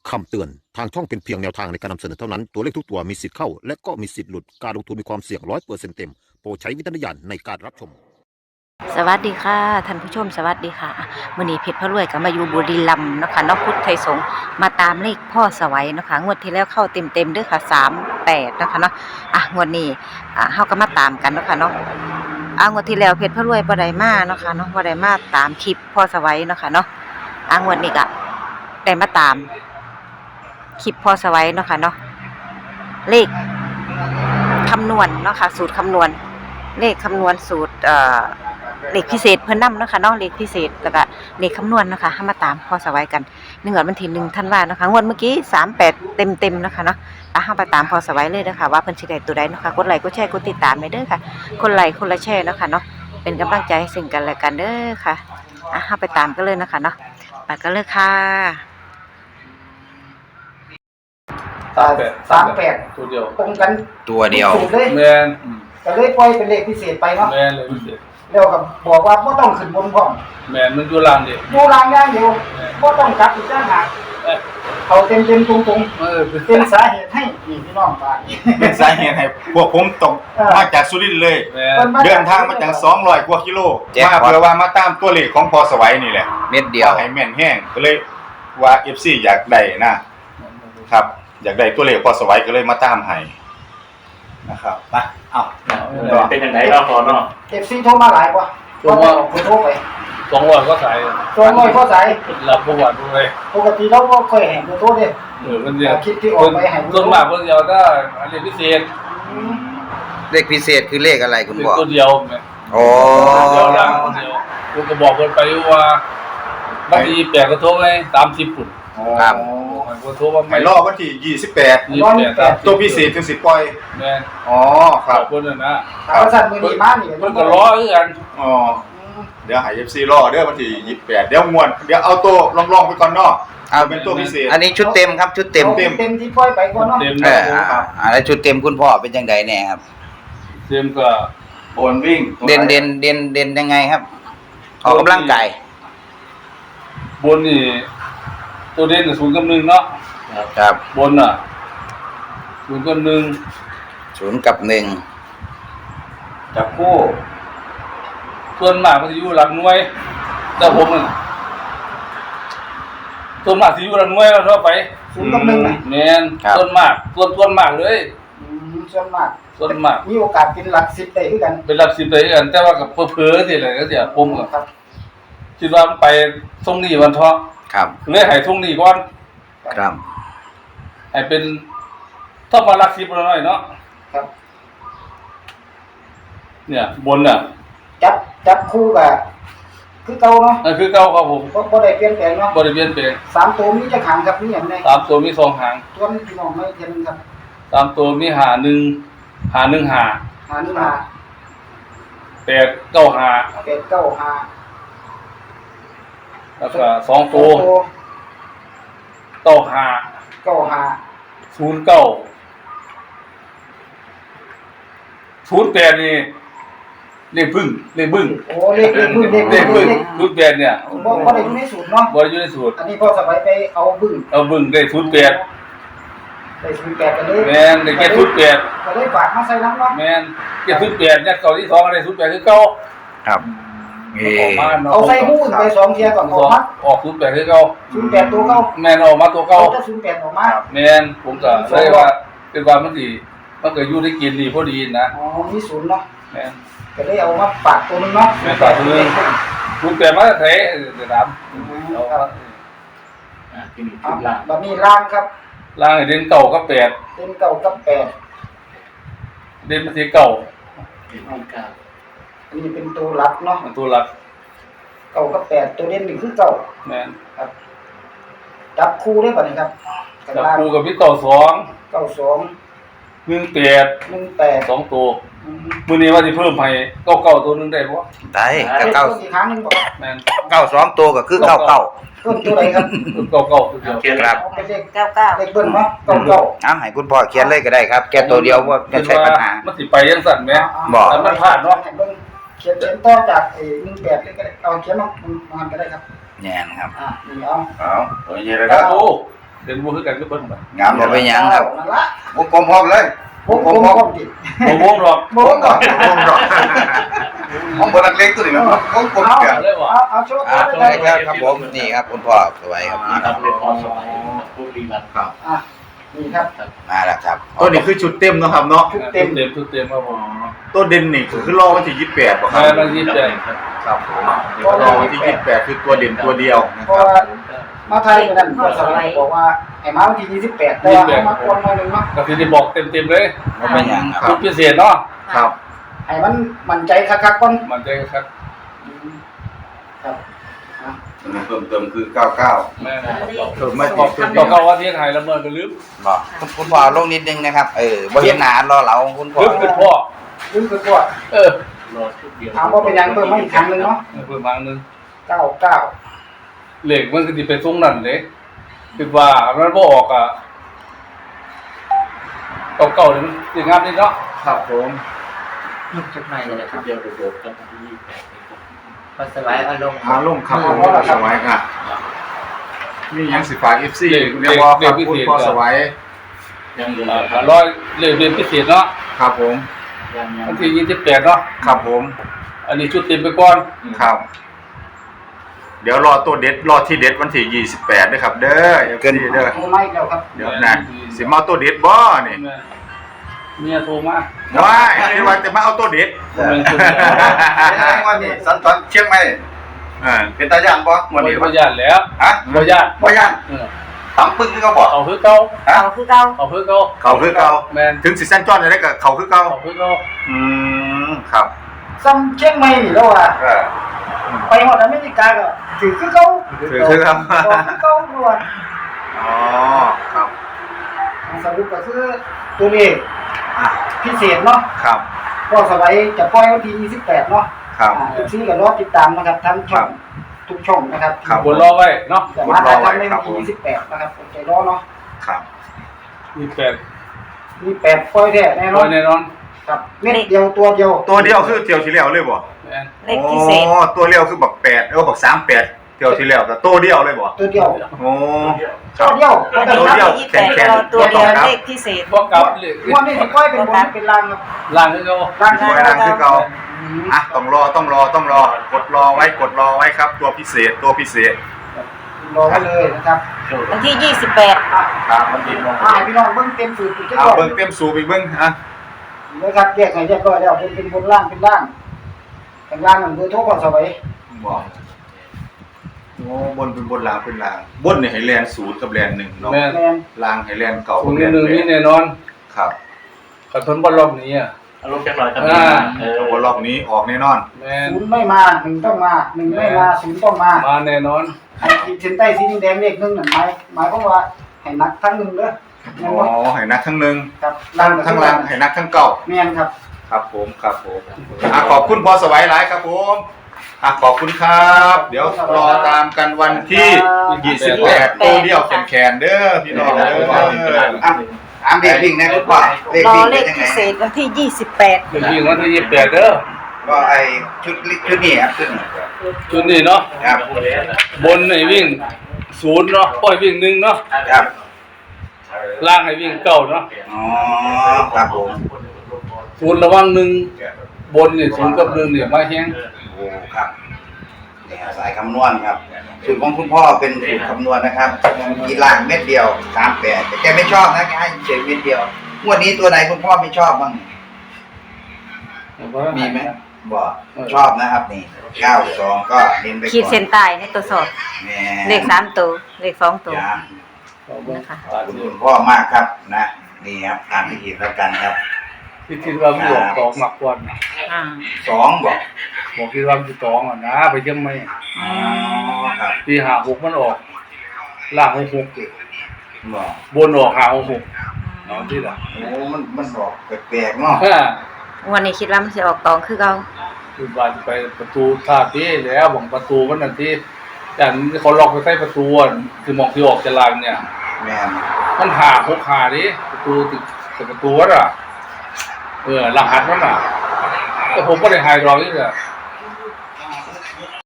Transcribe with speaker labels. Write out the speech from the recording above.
Speaker 1: คำเตือนทางช่องเป็นเพียงแนวทางในการนำเสนอเท่านั้นตัวเลขทุกตัวมีสิทธิ์เข้าและก็มีสิทธิ์หลุดการลงทุนมีความเสี่ยง100%เต็มโปรดใช้วิจารณญาณในการรับชม
Speaker 2: สวัสดีค่ะท่านผู้ชมสวัสดีค่ะมื้อนี้เพชรพระรวยก็มาอยู่บุรีรัมย์เนาะค่ะเนาะพุทธไทยสงฆ์มาตามเลขพ่อสวัยเนาะค่ะงวดที่แล้วเข้าเต็มๆเด้อค่ะ38เนาะค่ะเนาะงวดนี้เฮาก็มาตามกันเนาะค่ะเนาะงวดที่แล้วเพชรพระรวยบ่ได้มาเนาะค่ะเนาะบ่ได้มาตามคลิปพ่อสวัยเนาะค่ะเนาะงวดนี้ก็ได้มาตามคลิปพ่อสวัยเนาะค่ะเนาะเลขคำนวณเนาะค่ะสูตรคำนวณเลขคำนวณสูตรเลขพิเศษเพิ่นนำเนาะค่ะเนาะเลขพิเศษแล้วก็เลขคำนวณเนาะค่ะเฮามาตามพ่อสวัยกันงวดวันที่1ธันวาคมเนาะค่ะงวดเมื่อกี้38เต็มๆเนาะค่ะเนาะเฮาไปตามพ่อสวัยเลยเด้อค่ะว่าเพิ่นสิได้ตัวใดเนาะค่ะกดไลค์กดแชร์กดติดตามให้เด้อค่ะคนไลค์คนละแชร์เนาะค่ะเนาะเป็นกำลังใจให้ซึ่งกันและกันเด้อค่ะเฮาไปตามกันเลยเนาะค่ะเนาะไปกันเลยค่ะ
Speaker 3: 38ตัวเดียว
Speaker 4: ตรงกัน
Speaker 5: ตัวเดียว
Speaker 3: แมน
Speaker 4: ก็เลยปล่อยเป็นเลขพิเศษไปเนาะ
Speaker 3: แมนเลยพิเศษ
Speaker 4: แล้วก็บอกว่าบ่ต้องขึ้นบนพร้อม
Speaker 3: แมนมันอยู่ล่างดิ
Speaker 4: ดูรางอย่างเดียวบ่ต้องกลับอีกต่างหากเอาเต็มๆตรงๆเป็นสาเหตุให้พี่น้องบ้าน
Speaker 5: เป็นสาเหตุให้พวกผมตกมาจากสุรินทร์เลยเดินทางมาจาก200กว่ากิโลมาเพื่อว่ามาตามตัวเลขของพอสวัยนี่แหละเม็ดเดียวให้แม่นแห้งก็เลยว่า FC อยากได้นะครับอยากได้ตัวเลขพอสวัยก็เลยมาตามให้นะครับมา
Speaker 3: เป็นยังไงเราพอเนาะ
Speaker 4: FC โทรมาหลายกว่าโทรไป
Speaker 3: 200ก็ใส่
Speaker 4: 200ก็ใส่
Speaker 3: รับประวัติด้วย
Speaker 4: ปกติเราบ่ค่อยเห็นโทรเด้
Speaker 3: มันเดียว
Speaker 4: คิดที่ออกไปให้
Speaker 3: ส่วนมากเพิ่นจะได้เลขพิเศษ
Speaker 5: เลขพิเศษคือเลขอะไรคุณบอก
Speaker 3: ตัวเดียวแม่
Speaker 5: อ๋อ
Speaker 3: เดียวล่างตัวเดียวผมก็บอกเพิ่นไปว่าบางที8ก็โทรให้30ปุ่น
Speaker 5: ครับ
Speaker 3: ก็โทรว่า
Speaker 5: ไม่รอวันที่28ตัวพิเศษถึงสิปล่อย
Speaker 3: แม่น
Speaker 5: อ๋อครับ
Speaker 3: เพิ่นน่ะนะ
Speaker 4: ถ้าสั่นมื้อนี้มานี่
Speaker 3: เพิ่นก็รอคือกัน
Speaker 5: อ๋อเดี๋ยวให้ FC รอเด้อวันที่28เดี๋ยวม่วนเดี๋ยวเอาตัวลองไปก่อนเนาะเอาเป็นตัวพิเศษ
Speaker 6: อันนี้ชุดเต็มครับชุดเต็ม
Speaker 4: ที่ปล่อยไปก่อนเนาะ
Speaker 6: แล้วชุดเต็มคุณพ่อเป็นจังไดแน่ครับ
Speaker 3: เต็มก็
Speaker 5: บนวิ่ง
Speaker 6: เด่นยังไงครับออกกำลังกาย
Speaker 3: บนนี่ตัวเด่น0 กับ 1เนาะ
Speaker 6: ครับ
Speaker 3: บนน่ะ0 กับ 1
Speaker 6: 0 กับ 1
Speaker 5: จับคู่
Speaker 3: ส่วนมากมันสิอยู่หลักหน่วยแต่ผมน่ะส่วนมากสิอยู่หลักหน่วยแล้วทั่วไป
Speaker 4: 0 กับ 1น่ะ
Speaker 3: แม่นส่วนมากส่วนมากเลย
Speaker 4: ส่วนมากมีโอกาสเป็นหลัก10ได้คือกัน
Speaker 3: เป็นหลัก10ได้คือกันแต่ว่าก็เพ้อๆสิแหละก็เดี๋ยวผมก็คิดว่ามันไปตรงนี้วันเถาะ
Speaker 6: ครับ
Speaker 3: เลยให้ตรงนี้ก่อน
Speaker 6: ครับ
Speaker 3: ให้เป็นถ้ามาหลัก10หน่อยเนาะ
Speaker 4: ครับ
Speaker 3: เนี่ยบนน่ะ
Speaker 4: จับคู่ก็คือเก่าเนาะ
Speaker 3: คือเก่าครับผม
Speaker 4: บ่ได้เปลี่ยนแปลงเนาะ
Speaker 3: บ่ได้เปลี่ยนแปลง
Speaker 4: 3ตัวมีจักหางครับมีหยังแน่
Speaker 3: 3ตัวมี2หาง
Speaker 4: ตัวนี้พี่น้องไม่เห็นครับ
Speaker 3: 3ตัวมี51 51 8 9 5แล้วก็2ตัว09 08นี่เลขบึ้ง
Speaker 4: โอ้เลขบึ้ง
Speaker 3: 08เนี่ย
Speaker 4: บ่ได้อยู่ในสูตรเนาะ
Speaker 3: บ่ได้อยู่ในสูตร
Speaker 4: อันนี้พอสบายไปเอาบึ้ง
Speaker 3: ได้08
Speaker 4: ได้08กันเลย
Speaker 3: แม่นได้แค่08
Speaker 4: ก็เลยฝากมาใส่น้ำเนาะ
Speaker 3: แม่นแค่08ยัดเข้าที่2ก็ได้08คือเก่า
Speaker 6: ครับ
Speaker 4: เอาใส่หู้ไป2เที่ยก่อน
Speaker 3: ออก08คือเก่า
Speaker 4: 08ตัวเก่า
Speaker 3: แม่นออกมาตัวเก่า
Speaker 4: ถ้า08ออกมา
Speaker 3: แม่นผมก็เลยว่าเป็นว่ามันก็อยู่ได้กินดีพอดีนะ
Speaker 4: มี0เนาะ
Speaker 3: แม่น
Speaker 4: ก็เลยเอามาฝากตัวนึงเนาะ
Speaker 3: แม่นฝากตัวนึง08มาแท้จะถาม
Speaker 4: เอาบัดนี้ล่างครับ
Speaker 3: ล่างเด่น9กับ8
Speaker 4: เด่น9กับ8
Speaker 3: เด่นมาที่9
Speaker 4: อันนี้เป็นตัวหลักเนาะ
Speaker 3: ตัวหลัก
Speaker 4: 9กับ8ตัวเด่นนี่คือ9
Speaker 3: แม่น
Speaker 4: ครับจับคู่ได้ป่ะนี่ครับ
Speaker 3: จับคู่กับพี่92 18 2ตัวมื้อนี้ว่าสิเพิ่มให้99ตัวนึงได้บ่
Speaker 6: ได้ก็
Speaker 4: อีกครั้งนึงบ่
Speaker 3: แม่น
Speaker 6: 92ตัวก็คือ99
Speaker 4: เพิ่มตัวใดครับ
Speaker 3: 99ตัวเดียว
Speaker 6: ครับ
Speaker 4: เป็นเลข99เลขเบิ้ลเนาะ99
Speaker 6: ให้คุณพ่อเขียนเลยก็ได้ครับแค่ตัวเดียวว่าจะใช้ปัญหา
Speaker 3: มันสิไปจังซั่นแหม
Speaker 6: บ่
Speaker 3: มันพลาดเนาะ
Speaker 4: เขียนต่อจาก18เลยก็ได้เอาเขียนมาก็ได้ครับ
Speaker 6: แน่นครับ
Speaker 4: นี่เอา
Speaker 5: ตัวใหญ่เลยครับ
Speaker 3: เป็นบ่คือกันก็เบิ่งบ่
Speaker 6: งามบ่เป็นหยังครับ
Speaker 4: นั่นละ
Speaker 6: วงกลมพร้อมเลย
Speaker 4: ผมผมติด
Speaker 3: บ่วงหรอก
Speaker 4: บ่ก่อน
Speaker 5: วงดอก
Speaker 6: ผมบ่นักเลงตัวนี้มันวงกลมเดียว
Speaker 3: เลยว่ะ
Speaker 4: เอาโชว์
Speaker 6: สวัสดีครับผมนี่ครับคุณพ่อสวัยครับนี่ครับ
Speaker 5: ครับ
Speaker 4: อ่ะนี่ครับ
Speaker 6: มาแล้วครับ
Speaker 5: ตัวนี้คือชุดเต็มเนาะครับเนาะ
Speaker 3: ชุดเต็มครับผม
Speaker 5: ตัวเด่นนี่คือรอวันที่28บ่ครั
Speaker 3: ใช่
Speaker 5: บ
Speaker 3: มันยิ้มใจ
Speaker 5: ครับผมรอวันที่28คือตัวเด่นตัวเดียวนะ
Speaker 4: เพ
Speaker 5: ค
Speaker 4: ราะ
Speaker 5: รับ
Speaker 4: ว่ามาไทยนั่นก็สมัยบอกว่าไอ้มาวันที่28แต่ว่าเอามาคนมาหนึงเนาะ
Speaker 3: ก็สิได้บอกเต็มๆเลย
Speaker 6: บ่เป็นหยังค
Speaker 3: ชุ
Speaker 6: รั
Speaker 3: ด
Speaker 6: บ
Speaker 3: พิเศษเนาะ
Speaker 5: ครับ
Speaker 4: ให้มันมั่นใจคักๆก่อน
Speaker 3: มันใจครับ
Speaker 4: ครับอ่ะ
Speaker 5: เพิ่มเติมคือ99
Speaker 3: แม่
Speaker 5: เพิ่มมา
Speaker 3: บอก
Speaker 5: ที่
Speaker 3: ต่อก็ว่าที่ไทยละเมิดก็ลืม
Speaker 6: บอกคุณพ่อลงนิดนึงนะครับบ่เห็นหน้ารอเหลาของคุณพ่อ
Speaker 3: ลืมคือพ่อ
Speaker 4: ลืมคือตัว
Speaker 3: เออ
Speaker 4: ถามว่าเป็นยังเพิ่มมาอีกครั้งหนึงเนาะ
Speaker 3: เพิ่มมานึง
Speaker 4: 99
Speaker 3: เหล็กมันก็สิไปตรงนั้นเด้คือว่ามันบ่ออกอ่ะเก่าๆนี่มันสิงามนิดเนาะ
Speaker 5: ครับผม
Speaker 2: ลูกชุดใหม่เลยครับพอสบายอารมณ์
Speaker 5: มาลงครับผมสวัยครับมีหยังสิฝาก FC เรียกว่าครับคุณพ่อสวัย
Speaker 3: ร้อยเรียนพิเศษเนาะ
Speaker 5: ครับผม
Speaker 3: วันที่28เนาะ
Speaker 5: ครับผม
Speaker 3: อันนี้ชุดเต็มไปก่อน
Speaker 5: ครับ เดี๋ยวรอตัวเด็ดรอที่เด็ดวันที่28ด้วยครับ เด้อ FC เด้อ
Speaker 4: โทรมาอีกแล้วครับ
Speaker 5: เดี๋ยวนะสิมาเอาตัวเด็ดบ่นี่
Speaker 3: เมียโทรมา
Speaker 5: ว้ายคิดว่าจะมาเอาตัวเด็ด
Speaker 6: วันนี้สันตอนเชียงใหม่
Speaker 5: อ่า
Speaker 6: เป็นตาย่านบ่วันนี้
Speaker 3: บ่ญาติแล้ว
Speaker 6: ฮะ
Speaker 3: บ่ญาติ
Speaker 6: บ่ย่านตำปึ้งที่เขาบอก
Speaker 3: เอาคือเก่า
Speaker 2: เอาคือเก่า
Speaker 3: เอาคือเก่า
Speaker 5: เขาคือเก่า
Speaker 3: แม่น
Speaker 5: ถึงสิสั้นจ้อนจะได้กับเขาคือเก่า
Speaker 3: เอาคือเก่า
Speaker 5: อืมครับ
Speaker 4: ซ้ำเชียงใหม่นี่แล้วอ่ะไปฮอดอเมริกาก็ถือคือเขา
Speaker 5: ถือคือครับ
Speaker 4: บอกคือเขาด้วย
Speaker 5: อ๋อครับ
Speaker 4: สรุปก็คือตัวเลข
Speaker 5: อ่ะ
Speaker 4: พิเศษเนาะ
Speaker 5: ครับ
Speaker 4: ก็สบายจะปล่อยวันที่28เนาะ
Speaker 5: ครับ
Speaker 4: ทุกที่ก็รอติดตามนะครับทั้งช่องทุกช่องนะครับ
Speaker 5: ครับ
Speaker 3: บนรอไว้เนาะ
Speaker 4: แต่มาได้ทำในวันที่28นะครับอดใจรอเนาะ
Speaker 5: ครับ
Speaker 3: 28
Speaker 4: 28ปล่อยแท้แน่น
Speaker 3: ร้
Speaker 4: อ
Speaker 3: อน ยแน่นอน
Speaker 4: ครับเม็ดเดียวตัวเดียว
Speaker 5: ตัวเดียวคือเที่ยวที่แล้วเลยบ่
Speaker 3: แม่น
Speaker 2: เลขพิเศษ
Speaker 5: โอ้ตัวเดียวคือบัก8บัก38เที่ยวที่แล้วแต่ตัวเดียวเลยบ่
Speaker 4: ตัวเดียว
Speaker 5: โอ้ค
Speaker 4: ตั
Speaker 5: รั
Speaker 4: ว
Speaker 5: บ
Speaker 4: เดียว
Speaker 2: วัน
Speaker 4: ตัว
Speaker 2: นี้
Speaker 4: เดียว
Speaker 2: วันที่28รอตัวเดียวเลขพิเศษ
Speaker 3: บ่กลับเลย
Speaker 4: วันนี้สิปล่อยเป็นบนเป็นล่างครับ
Speaker 3: ล่างคือเก่า
Speaker 4: ล่าง
Speaker 5: สวยนางคือเก่าอ่ะต้องรอกดรอไว้ครับ ตัวพิเศษ
Speaker 4: รอไว้เลยนะครับ
Speaker 2: วันที่
Speaker 5: ครับมันดีมอง
Speaker 4: ให้พี่น้องเบิ่งเต็มสูตรอีกจัก
Speaker 5: เอา
Speaker 4: รอบ
Speaker 5: เบิ่งเต็มสูบอีกเบิ่งอ่ะ
Speaker 4: นะครับแยกให้เรียบร้อยแล้วเป็นบนล่างเป็นล่างข้างล่างมันเบอร์โทรก็สบาย
Speaker 5: บอกโอ้บนเป็นบนล่างเป็นล่างบนเนี่ยให้แลน0กับแลน1เนาะ
Speaker 3: แม่น
Speaker 4: แม่น
Speaker 5: ล่างให้แลนเก่า
Speaker 3: คน
Speaker 5: แลน
Speaker 3: นึงนี่แน่นอน
Speaker 5: ครับ
Speaker 3: กระทนบ่รอบนี้อ่ะ
Speaker 7: อารมณ์จังหน่อยครับ
Speaker 5: หัวรอบนี้ออกแน่นอน
Speaker 3: แม่น
Speaker 4: ศูนย์ไม่มาหนึ่งต้องมาหนึ่งไม่มาศูนย์ต้องมา
Speaker 3: มาแน่นอน
Speaker 4: ไอ้ขีดเส้นใต้สีแดงเลขหนึ่งนั่นหมายความว่าให้นักทั้งหนึ่งเด้อแม่น
Speaker 5: อ๋
Speaker 4: บ่
Speaker 5: อให้นักทั้งหนึ่ง
Speaker 4: ครับ
Speaker 5: ทั้งล่างให้นักทั้งเก่า
Speaker 4: แม่นครับ
Speaker 5: ครับผมขอบคุณพอสวัยหลายครับผมขอบคุณครับ เดี๋ยวรอตามกันวันที่28ตัวเดียวแขนเด้อพี่น้องเด้อ
Speaker 6: ถามเด็กวิ่งนะคุณพ่อเด็ก
Speaker 2: รอ
Speaker 6: วิ่ง
Speaker 2: เล
Speaker 6: เป็น
Speaker 2: ข
Speaker 6: ยังไง
Speaker 2: พิเศษวันที่
Speaker 3: เดี๋ยววิ่งวันที่28เด้อ
Speaker 6: ก็ไอชุดนี้ครับชุดนี้
Speaker 3: ชุดนี้เนาะ
Speaker 6: ครับ
Speaker 3: บนให้วิ่ง0เนาะปล่อยวิ่ง1เนาะ
Speaker 6: ครับ
Speaker 3: ล่างให้วิ่ง9เนาะ
Speaker 6: อ๋อครับผม
Speaker 3: 0ระวัง1บนนี่0กับ1นี่มาแฮง
Speaker 6: โอ้ครับเนี่ยสายคำนวณครับสูตรของคุณพ่อเป็นสูตรคำนวณนะครับกีฬางเม็ดเดียว38แต่แกไม่ชอบนะแกให้เฉยเม็ดเดียวงวดนี้ตัวไหนคุณพ่อไม่ชอบบ้างมีไหมบอกชอบนะครับนี่92ก็เน้นไป
Speaker 2: 28ขีด
Speaker 6: ก่อ
Speaker 2: เส้
Speaker 6: น
Speaker 2: นใต้ในตัวสอบ
Speaker 6: แม่
Speaker 2: เลข3ตัวเลข2ตัว
Speaker 6: จ้า
Speaker 2: นะคะ
Speaker 6: ขอบคุณคุณพ่อมากครับนะนี่ครับตามพิธีแล้วกันครับ
Speaker 3: ที่คิดว่ามันออกตองมากกว่าน่ะ
Speaker 2: อ่า
Speaker 6: 2บอก
Speaker 3: บอกคิดว่ามันสิตองอ่ะนะไปยังไม่
Speaker 6: อ๋อครับ
Speaker 3: ที่56มันออกล่าง66
Speaker 6: บอก
Speaker 3: บนออก56เนาะที่ล่ะ
Speaker 6: โอ้มันบอกแปลกๆเนาะ
Speaker 2: วันนี้คิดว่ามันจะออกตองคือเก่า
Speaker 3: คือว่าจะไปประตูท่าที่แล้วบอกประตูมันนั่นที่แต่เขาล็อกไปใส่ประตูอ่ะคือมองที่ออกจะลางเนี่ย
Speaker 6: แม่น
Speaker 3: มันหา6หาดิประตูติดประตูอ่ะรหัสมันอ่ะแต่ผมก็ได้หายรองนี่แหละ